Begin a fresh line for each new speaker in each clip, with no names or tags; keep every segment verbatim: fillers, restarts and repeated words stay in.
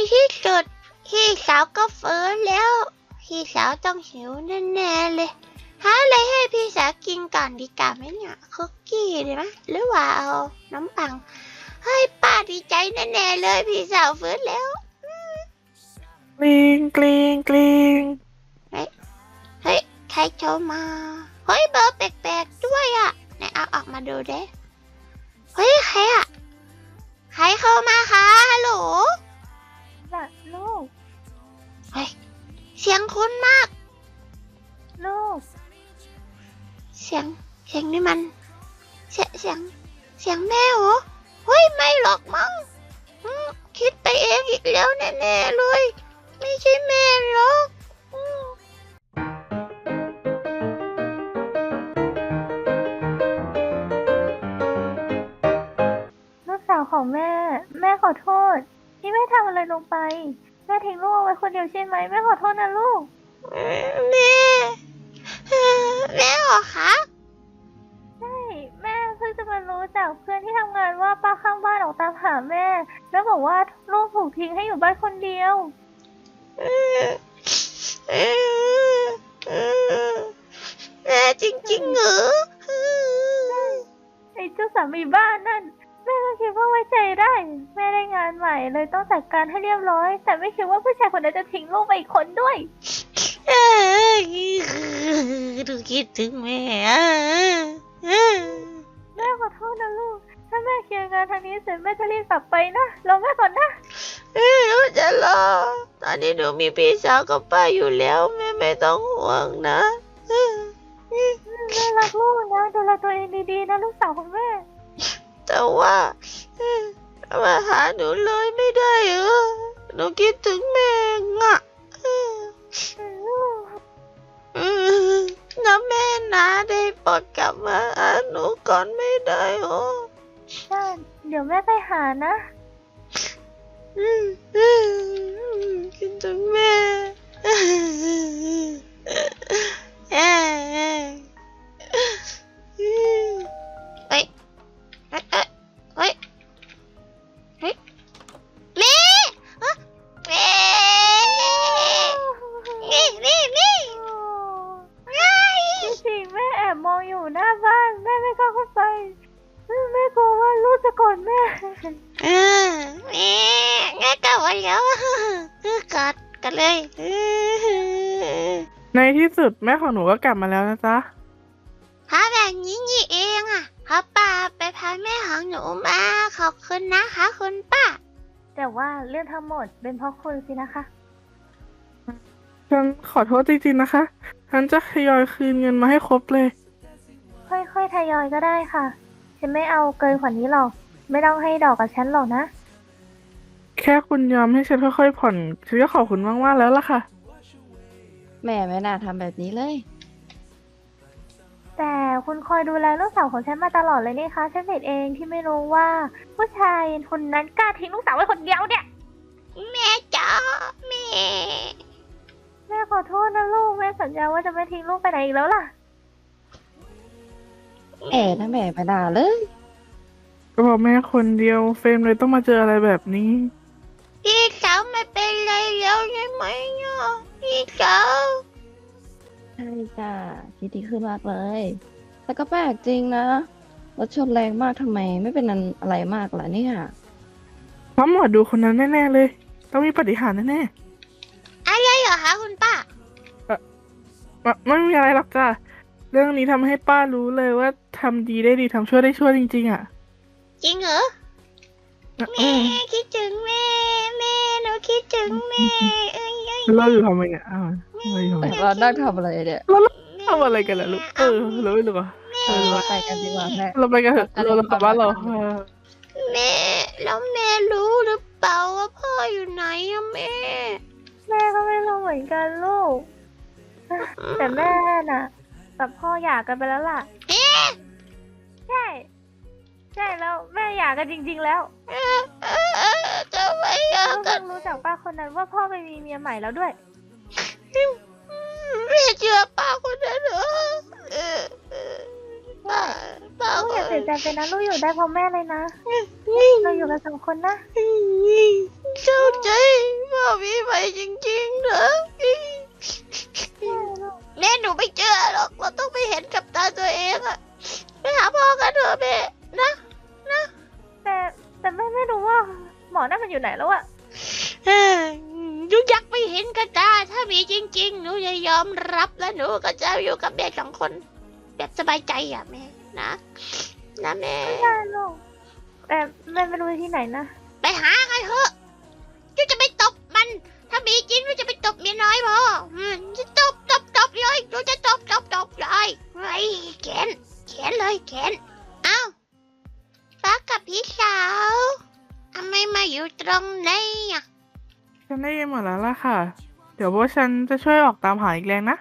ที่สุดพี่สาวก็ฟื้นแล้วพี่สาวต้องหิวแน่ๆเลยหาอะไรให้พี่สาวกินก่อนดีกว่าไหมเนี่ยคุกกี้ดีไหมหรือว่าเอาน้ำปังเฮ้ยป้าดีใจแน่ๆเลยพี่สาวฟื้นแล้ว
กลิงกลิงกลิง
เฮ้ยเฮ้ยใครโทรมาเฮ้ยเบอร์แปลกๆด้วยอ่ะไหนเอาออกมาดูเด้เฮ้ยใครอ่ะใครเข้ามาคะฮัลโหล
น่ะลูก
เฮ้ยเสียงคุ้นมาก
ลูก
เสียงเสียงนี่มันเสียงเสียงเสียงแม่เหรอเฮ้ยไม่หรอกมั้งคิดไปเองอีกแล้วแน่ๆเลยไม่ใช่แม่หรอก
ลูกสาวของแม่แม่ขอโทษที่แม่ทำอะไรลงไปแม่ทิ้งลูกเอาไว้คนเดียวใช่ไหมแม่ขอโทษนะลูก
แม่แม่เหรอคะ
ใช่แม่เพิ่งจะมารู้จากเพื่อนที่ทำงานว่าป้าข้างบ้านออกตามหาแม่แล้วบอกว่าลูกถูกทิ้งให้อยู่บ้านคนเดียว
แม่จริงๆเหรอ
ไอ้เจ้าสามีบ้านนั่นแม่ก็คิดว่าไว้ใจได้แม่ได้งานใหม่เลยต้องจัดการให้เรียบร้อยแต่ไม่คิดว่าผู้ชายคนนั้นจะทิ้งลูกไปอีกคนด้วย
ดูคิดถึงแม่
แม่ขอโทษนะลูกถ้าแม่เคลียร์งานทางนี้เสร็จแม่จะรีบกลับไปนะรอแม่ก่อนนะ
เออหนูจะรอตอนนี้หนูมีพี่สาวกับป้าอยู่แล้วแม่ไม่ต้องห่วงนะ
แม่รักลูกนะดูแลตัวเองดีๆนะลูกสาวของแม่
แต่ว่ามาหาหนูเลยไม่ได้เหรอหนูคิดถึงแม่ง่ะนะแม่นะได้โปรดกลับมาหาหนูก่อนไม่ได้หรอ
ได้เดี๋ยวแม่ไปหานะ
คิดถึงแม่เอ้ยเฮ้ยเฮ้ยเฮ้ยเฮ้ยแม่แม่นี่นี่นี่
จริงๆแม่แอบมองอยู่หน้าบ้านแม่ไม่กล้าเข้าไปแม่กลัวว่าลูกจะโกรธแม่
เออแม่แม่กลับมาแล้วกอดกันเลย
ในที่สุดแม่ของหนูก็กลับมาแล้วนะจ๊ะ
พาแบบนี้นี่เองอ่ะพ่อป้าไปพาแม่ของหนูมาขอบคุณนะคะคุณป้า
แต่ว่าเรื่องทั้งหมดเป็นเพราะคุณสินะคะ
ฉันขอโทษจริงๆนะคะฉันจะทยอยคืนเงินมาให้ครบเลย
ค่อยๆทยอยก็ได้ค่ะฉันไม่เอาเกินกว่านี้หรอกไม่ต้องให้ดอกกับฉันหรอกนะ
แค่คุณยอมให้ฉันค่อยๆผ่อนฉันก็ขอบคุณมากๆแล้วล่ะค่ะ
แม่ไม่น่าทำแบบนี้เลย
แต่คุณคอยดูแลลูกสาวของฉันมาตลอดเลยนี่คะฉันผิดเองที่ไม่รู้ว่าผู้ชายคนนั้นกล้าทิ้งลูกสาวไว้คนเดียวเนี่ย
แม่จ๋าแม่
แม่ขอโทษนะลูกแม่สัญญาว่าจะไม่ทิ้งลูกไปไหนอีกแล้วล่ะ
แม่นะแม่ไม่น่าเลย
ก็บอกแม่คนเดียวเฟรมเลยต้องมาเจออะไรแบบนี้
พี่สาวไม่เป็นไรแล้วใช่ไหมเนี่ยพี่สาว
ใช่จ้ะคิดดีขึ้นมากเลยแต่ก็แปลกจริงนะรถชนแรงมากทำไมไม่เป็นอะไรมากล่ะเนี่ย
เพราะหมอดูคนนั้นแน่ๆเลยต้องมีปาฏิหาริย์แน่
ๆอะไรเหรอคะคุณป้า
เออไม่มีอะไรหรอกจ้ะเรื่องนี้ทำให้ป้ารู้เลยว่าทำดีได้ดีทำชั่วได้ชั่วจริงๆอ่ะ
จริงเหรอแม่คิดถึงแม่แม่หนูคิดถึงแม่เอ้ย
เราอยู่ทำไมเนี่ยอ้าว
เรานั่งทำอะไรเนี่ย
เราทำอะไรกันล่ะลูกเออเราไม่รู้อ่ะ
เออเราไปกันดีกว่าแม่
เราไปกันเถอะเรากลับบ้านเรา
แม่แล้วแม่รู้หรือเปล่าว่าพ่ออยู่ไหนอะแม่
แม่ก็ไม่รู้เหมือนกันลูกแต่แม่น่ะกับพ่อหย่ากันไปแล้วล่ะใช่ใช่แล้วแม่หย่ากันจริงๆแล้ว
จะไม่หย่ากัน
รู้จากป้าคนนั้นว่าพ่อไปมีเมียใหม่แล้วด้วย
แม่เชื่อป้าคนนั้นเหรอ
ป้าป้าอย่าเสียใจไปนะลูกอยู่ได้เพราะแม่เลยนะเราอยู่กันสองคนนะ
เข้าใจจริงๆเหรอแม่หนูไม่เจอหรอกเราต้องไปเห็นกับตาตัวเองอะไปหาพ่อกันเถอะแม่นะ
แต่แต่แม่ไม่รู้ว่าหมอนั่นมันอยู่ไหนแล้วอะ
เอ้ยหนูอยากไปเห็นกับตาถ้ามีจริงๆหนูจะยอมรับและหนูก็จะอยู่กับแม่สองคนแบบสบายใจอ่ะแม่นะนะแม่
ไม่ได้ลูกแต่แม่ไม่รู้ที่ไหนนะ
ไปหาไงเถอะหนูจะไปตบมัน ถ้ามีจริงหนูจะไปตบเมียน้อยพออืมจะตบตบตบเลยหนูจะตบตบตบเลยไอ้แขนแขนเลยแขนเอ้าป้ากับพี่สาวทำไมมาอยู่ตรงนี้อ่ะ
ฉันได้ยินหมดแล้วล่ะค่ะ เดี๋ยวพวกฉันจะช่วยออกตามหาอีกแรงนะ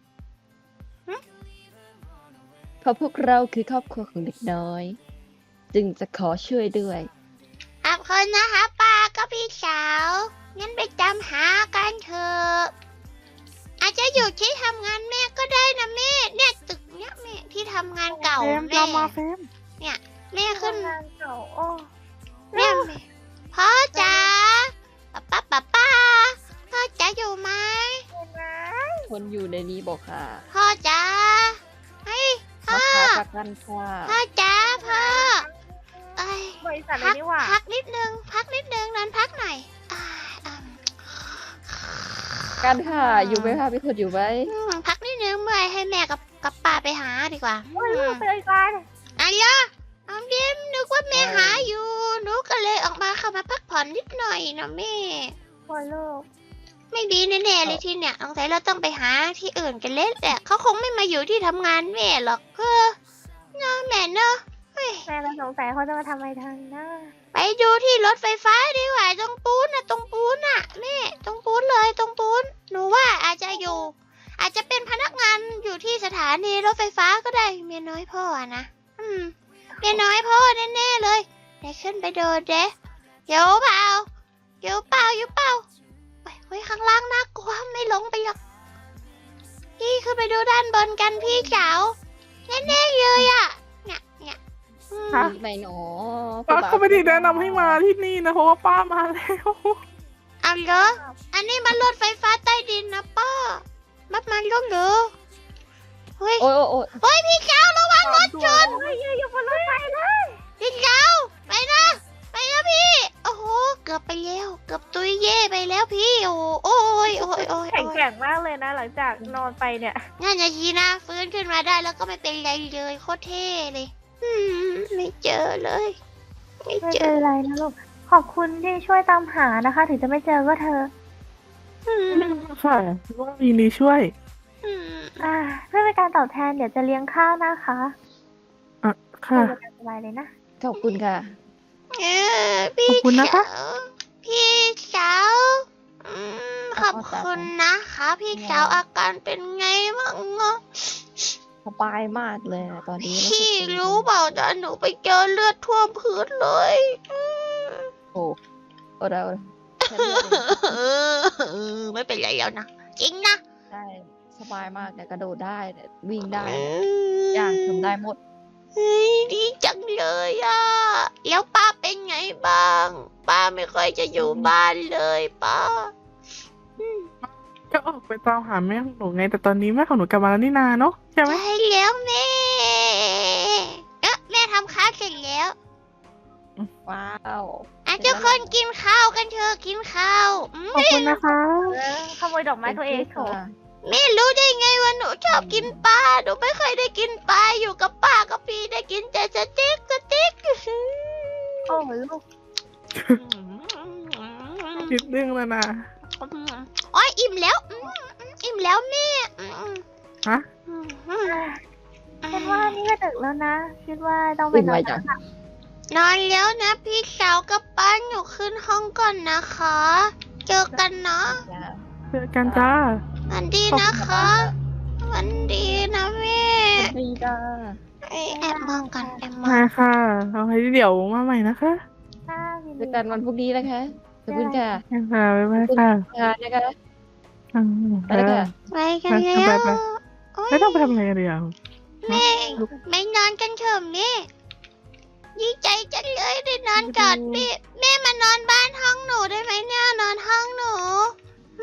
เพราะพวกเราคือครอบครัวของเด็กน้อย จึงจะขอช่วยด้วย
ขอบคุณนะคะป้าก็พี่สาว งั้นไปตามหากันเถอะ อาจจะอยู่ที่ทำงานแม่ก็ได้นะแม่ เนี่ยตึกเนี้ยแม่ที่ทำงานเก่า
เฟรม
แม่
ตามมาเฟรม
เนี่ยแม่ขึ้น
ทำงานเก่าโอ้
แม่แม่พ่อจ๋าป้าป้าป้าพ่อจ๋าอยู่ไหม
เห็นไหม
คนอยู่ในนี้บอกค่ะ
พ่อจ๋าเฮ้ยพ่
มา
อ
ขายประกันค่ะ
พ่อจ๋าพ่อเอ้ย
บริษัทเล
พั
ยนี่หว่า
พักนิดนึง พักนิดนึงนอนพักหน่อยอ่าอืม
กันค่ะ อยู่ไหมคะพี่คนอยู่ไหม
อืมพักนิดนึงเมื่อยให้แม่กับกับป้าไปหาดีกว่า
โอ้ยลูกไปเลยกัน
อะไรอ่ะออมยิ้มนึกว่าแม่หาอยู่หนูก็เลยออกมาเข้ามาพักผ่อนนิดหน่อยนะแม่
โอ้ยลูก
ไม่ดีแน่ๆเลยที่เนี่ยสงสัยเราต้องไปหาที่อื่นกันเล่นแหละเขาคงไม่มาอยู่ที่ทำงานแม่หรอกเออเนาะแม่เนาะเฮ้ย
แม่ก็สงสัยเขาจะมาทำอะไรทางหน้า
ไปดูที่รถไฟฟ้าดีกว่าตรงปูนน่ะตรงปูนน่ะแม่ตรงปูนเลยตรงปูนหนูว่าอาจจะอยู่ อาจจะเป็นพนักงานอยู่ที่สถานีรถไฟฟ้าก็ได้เมียน้อยพ่ออะนะอืมเมียน้อยพ่อแน่ๆเลยเดี๋ยวขึ้นไปดูเด้เดี๋ยวเปล่าเดี๋ยวเปล่าอยู่เปล่าไปไว้ข้างล่างน่ากลัวไม่ลงไปหรอกพี่ขึ้นไปดูด้านบนกันพี่สาวแน่ๆเลยอ่ะเนี่ยเนี่ยอืม
ฮะ
ไหนหนอ
ป้าก็ไม่ได้แนะนำให้มาที่นี่นะ เพราะว่าป้ามาแล้ว
เอาเหรออันนี้มันรถไฟฟ้าใต้ดินนะป้ามัดมันลงเหรอเฮ้ย
โอ้ยโอ้ยโอ้ย
เฮ้ยพี่สาวระวังรถชน
เฮ้ยอยู่บนรถไฟเลย
พี่สาวไปนะไปนะพี่โอ้โหเกือบไปแล้วเกือบตุยเย่ไปแล้วพี่โอ้โหโอ้ยโอ้ยโอ้ย
แข็ง
โอ้ย
แกร่งมากเลยนะ หลังจากนอนไปเนี่ย
นั่นนะทีนะฟื้นขึ้นมาได้แล้วก็ไม่เป็นไรเลยโคตรเท่เลยอืมไม่เจอเลย ไม่
ไม่
เจ
เป็
อน
ไรนะลูก ขอบคุณที่ช่วยตามหานะคะ ถึงจะไม่เจอก็เธอ
อืม
ค่ะว่ายินดีช่วย
อืม
อ่าเพื่อเป็นการตอบแทนเดี๋ยวจะเลี้ยงข้าวนะคะ
อ่ะ ค่ะ
เดี๋ยวจะสบายเลยนะ
ขอบคุณค่ะ
เออพี่
ขอบคุณนะคะ
สาวพี่สาวอืมขอบคุณนะคะพี่สาวอาการเป็นไงบ้างอะ
สบายมากเลยอะตอนนี้
พี่รู้เปล่าตอนหนูไปเจอเลือดท่วมพื้นเลยอืม
โอ้โอ้เราแค่เลือดเอง
เออไม่เป็นไรแล้วนะ จริงนะ
ใช่สบายมากเนี่ยกระโดดได้เนี่ยวิ่งได้
อื
ทุกอย่างทำได้หมด
เฮ้ยดีจังเลยอ่ะ แล้วป้าเป็นไงบ้าง ป้าไม่ค่อยจะอยู่บ้านเลยป้า
ก็ออกไปตามหาแม่ของหนูไง แต่ตอนนี้แม่ของหนูกลับมาแล้วนี่นาเนาะใช่ไหม
ใช่แล้วแม่ เอ๊ะแม่ทำข้าวเสร็จแล้ว
ว้าว
อ่ะทุกคนกินข้าวกันเถอะกินข้าวอืม
ขอบคุณนะคะ
เออขโมยดอกไม้ตัวเองโถ
ค่ะ
แม่รู้ได้ไงว่าหนูชอบกินปลา หนูไม่เคยได้กินปลาอยู่กับป้ากับพี่ได้กินแต่สเต็กสเต็ก
โอ้ยลูก
นิดนึงแล้วนะ
อ๋ออิ่มแล้วอืมอิ่มแล้วแม่อืม
ฮะ
อืม
คิดว่านี่ก็ดึกแล้วนะ คิดว่าต้องไป
วิ่ง
นอ
ไวน จัง
แล้วล่ะ
นอนแล้วนะพี่สาวกับป้าหนูขึ้นห้องก่อนนะคะ เจอกันเนาะ
เจอกันจ้า
วันดีนะคะวันดีนะแม่
ดีจ้า
เอ้ยแอบมองกันแอบมอ
มาง ค่ะเอาไว้เดี๋ยวมาใหม่นะคะ
ค่ะยิน
เจ
ดี
อกันวันพรุ่งนี้นะคะขอบคุณค่ะ
ค่ะบ๊ายบายค่ะ
งานนะคะ
อืม
ไปแล้วค่ะ
ไปกันแล้
ไป
ว
ไป
โอ๊ย
ไม่ต้องไปทำอะไรกันเดี๋ยว
แม่ไม่นอนกันเถอะแม่ดีใจจังเลยได้นอนกอดแม่แม่มานอนบ้านห้องหนูได้ไหมเนี่ยนอนห้องหนู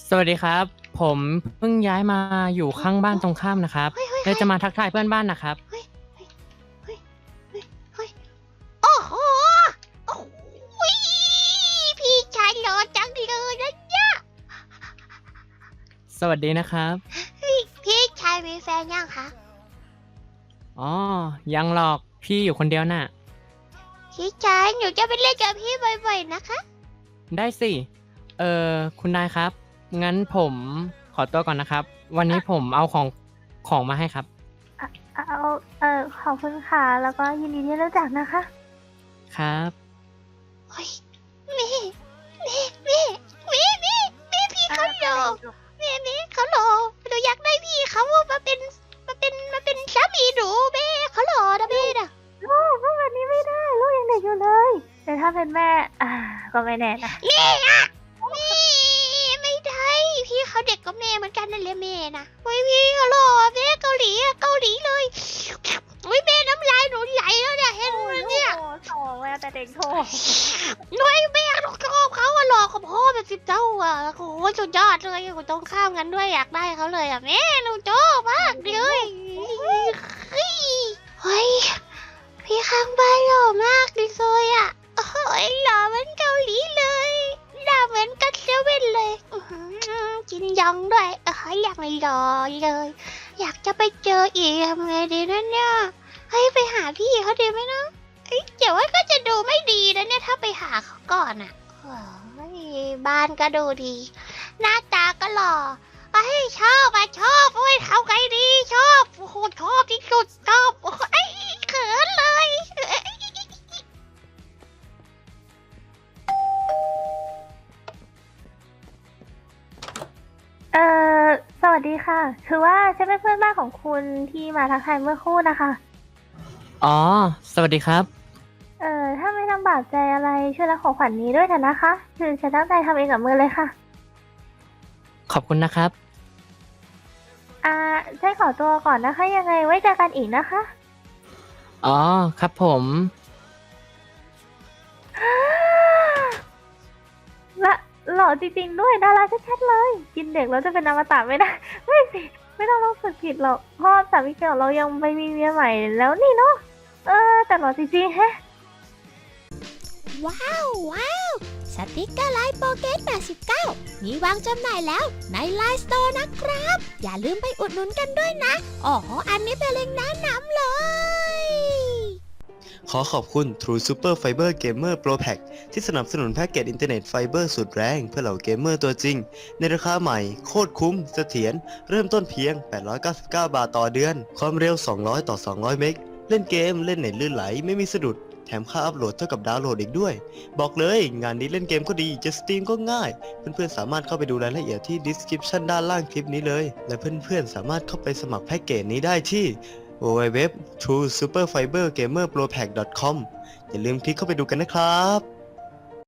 สวัสดีครับ ผมเพิ่งย้ายมาอยู่ข้างบ้านตรงข้ามนะครับ
เฮ้ยเฮ้ย
เลยจะมาทักทายเพื่อนบ้านนะครับ
เฮ้ยเฮ้ยเฮ้ยเฮ้ยเฮ้ยโอ้โหโอ้โหพี่ชายหล่อจังเลยนะเนี่ย
สวัสดีนะครับ
เฮ้ยพี่ชายมีแฟนยังคะ
อ๋อ ยังหรอกพี่อยู่คนเดียวน่ะ
พี่ชายหนูจะไปเล่นกับพี่บ่อยๆนะคะ
ได้สิ เออคุณนายครับ งั้นผมขอตัวก่อนนะครับ วันนี้ผมเอาของของมาให้ครับ
เอาเออขอบคุณค่ะ แล้วก็ยินดีที่รู้จักนะคะ
ครับ
เฮ้ยแม่แม่แม่แม่แม่แม่พี่เขาหล่อแม่แม่เขาหล่อหนูอยากได้พี่เขามาเป็นมาเป็นมาเป็นสามีหนูแม่เขาหล่อนะแม่น่ะ
ลูกพูดแบบนี้ไม่ได้ ลูกยังเด็กอยู่เลย แต่ถ้าเป็นแม่ อ่า ก็ไม่แน่นะ
แม่อะแม่ไม่ได้พี่เขาเด็กกับแม่เหมือนกันนั่นแหละแม่นะเฮ้ยพี่เขาหล่อแม่เกาหลีอะเกาหลีเลยเฮ้ยแม่น้ำลายหนูไหลแล้วเนี่ยเห็นไหมเนี่ย
โอ้โหแม่แต่เด็กโท
หนุ่ยแม่หนูชอบเขาอะหล่อกับพ่อแบบสิบเท่าอะโอ้โหสุดยอดเลยอยู่ตรงข้ามกันด้วยอยากได้เขาเลยอะแม่หนูชอบมากเลยเฮ้ยเฮ้ยพี่ข้างบ้านหล่อมากเลยอะโอ้ยหล่อเหมือนเกาหลีเลยหน้าเหมือนกัสเซเว่นเลยอื้อหือกินยองด้วยเอออยากหล่อเลย อยากจะไปเจออีกทำไงดีนะเนี่ยเฮ้ยไปหาพี่เขาดีไหมนะเอ้ยเดี๋ยวว่าก็จะดูไม่ดีนะเนี่ยถ้าไปหาเขาก่อนอ่ะโอ้ยบ้านก็ดูดี หน้าตาก็หล่อไอ้ยชอบอ่ะชอบโอ้ยทำไงดีชอบโอ้โหชอบที่สุดชอบโอ้ยเขินเลย
เออสวัสดีค่ะ คือว่าฉันเป็นเพื่อนบ้านของคุณที่มาทักทายเมื่อครู่นะคะ
อ๋อ สวัสดีครับ
เออถ้าไม่ลำบากใจอะไรช่วยรับของขวัญนี้ด้วยเถอะนะคะ คือฉันตั้งใจทำเองกับมือเลยค่ะ
ขอบคุณนะครับ
อ่าฉันขอตัวก่อนนะคะ ยังไงไว้เจอกันอีกนะคะ
อ๋อ ครับผม
ละหล่อจริงๆด้วยดาราชัดๆเลย กินเด็กแล้วจะเป็นอมตะไม่ได้ ไม่สิ ไม่ต้องรู้สึกผิดหรอกเพ่อสามีเก่าเรายังไปมีเมียใหม่แล้วนี่เนาะเออ แต่หล่อจริงๆแฮะ
ว้าวว้าวสติกเกอร์ไลน์โปเกตแปดสิบเก้ามีวางจำหน่ายแล้วในไลน์สโตร์นะครับ อย่าลืมไปอุดหนุนกันด้วยนะอ๋ออันนี้เป็นเล็งก์แนะนำเลย
ขอขอบคุณ True Super Fiber Gamer Pro Pack ที่สนับสนุนแพ็กเกจอินเทอร์เน็ตไฟเบอร์สุดแรงเพื่อเหล่าเกมเมอร์ตัวจริง ในราคาใหม่ โคตรคุ้มเสถียรเริ่มต้นเพียง แปดร้อยเก้าสิบเก้า บาทต่อเดือน ความเร็ว สองร้อย ต่อ สองร้อย เมก เล่นเกมเล่นเน็ตลื่นไหลไม่มีสะดุด แถมค่าอัพโหลดเท่ากับดาวน์โหลดอีกด้วย บอกเลยงานนี้เล่นเกมก็ดีจะสตรีมก็ง่าย เพื่อนๆสามารถเข้าไปดูรายละเอียดที่ description ด้านล่างคลิปนี้เลย และเพื่อนๆสามารถเข้าไปสมัครแพ็กเกจนี้ได้ที่ ดับเบิลยู ดับเบิลยู ดับเบิลยู ดอท ทรู ซูเปอร์ ไฟเบอร์ เกมเมอร์ โปร แพ็ก ดอท คอม อย่าลืมคลิกเข้าไปดูกันนะครับ